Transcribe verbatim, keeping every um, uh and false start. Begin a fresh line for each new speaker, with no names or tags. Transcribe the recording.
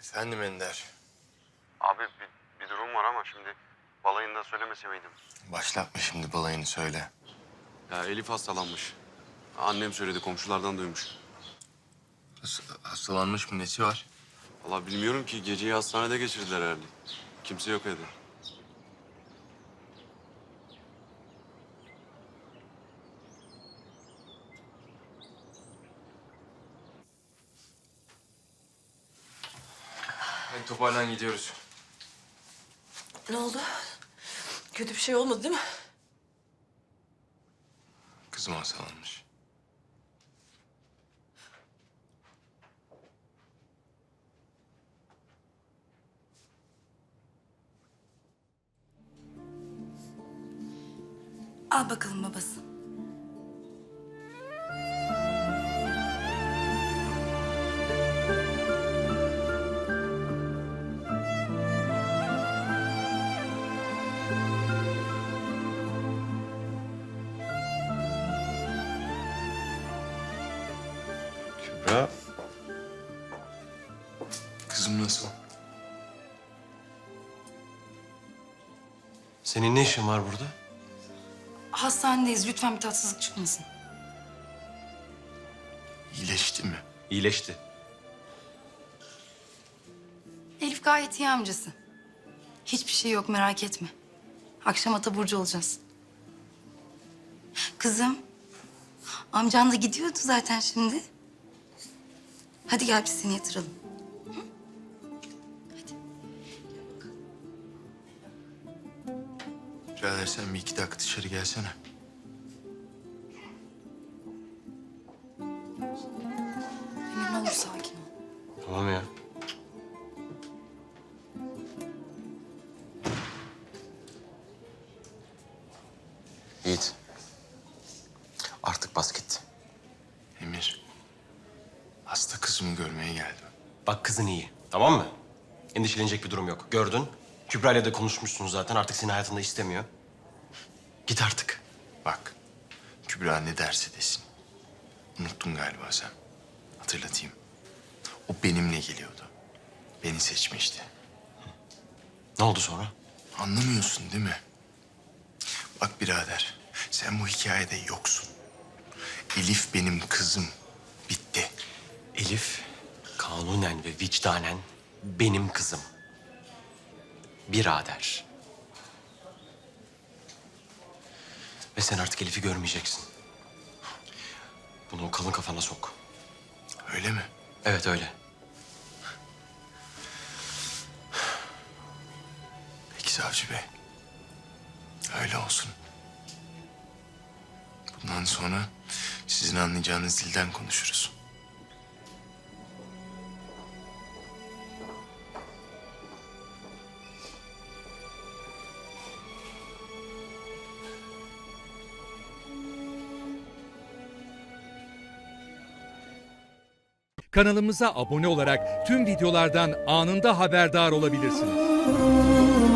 Efendim Ender.
Abi bir, bir durum var ama şimdi balayında söylemese miydim?
Başlatma şimdi balayını söyle.
Ya Elif hastalanmış. Annem söyledi, komşulardan duymuş.
Has- hastalanmış mı, nesi var?
Vallahi bilmiyorum ki, geceyi hastanede geçirdiler herhalde. Kimse yok evde.
Hadi toparlan, gidiyoruz.
Ne oldu? Kötü bir şey olmadı değil mi?
Kızım hastalanmış.
Al bakalım babası.
Kübra. Kızım nasıl?
Senin ne işin var burada?
Hastanedeyiz. Lütfen bir tatsızlık çıkmasın.
İyileşti mi?
İyileşti.
Elif gayet iyi amcası. Hiçbir şey yok, merak etme. Akşam Ataburcu olacağız. Kızım, amcan da gidiyordu zaten şimdi. Hadi gel biz seni yatıralım. Hı? Hadi.
Birader sen bir iki dakika dışarı gelsene.
Emir ne olur sakin ol.
Tamam ya. Yiğit. Artık bas git.
Emir. Hasta kızımı görmeye geldim.
Bak kızın iyi. Tamam mı? Endişelenecek bir durum yok. Gördün. Kübra ile de konuşmuşsun zaten. Artık seni hayatında istemiyor. Git artık.
Bak. Kübra ne derse desin. Unuttun galiba sen. Hatırlatayım. O benimle geliyordu. Beni seçmişti.
Ne oldu sonra?
Anlamıyorsun değil mi? Bak birader, sen bu hikayede yoksun. Elif benim kızım. Bitti.
Elif kanunen ve vicdanen benim kızım. Birader. Ve sen artık Elif'i görmeyeceksin. Bunu o kalın kafana sok.
Öyle mi?
Evet öyle.
Peki savcı bey. Öyle olsun. Bundan sonra sizin anlayacağınız dilden konuşuruz.
Kanalımıza abone olarak tüm videolardan anında haberdar olabilirsiniz.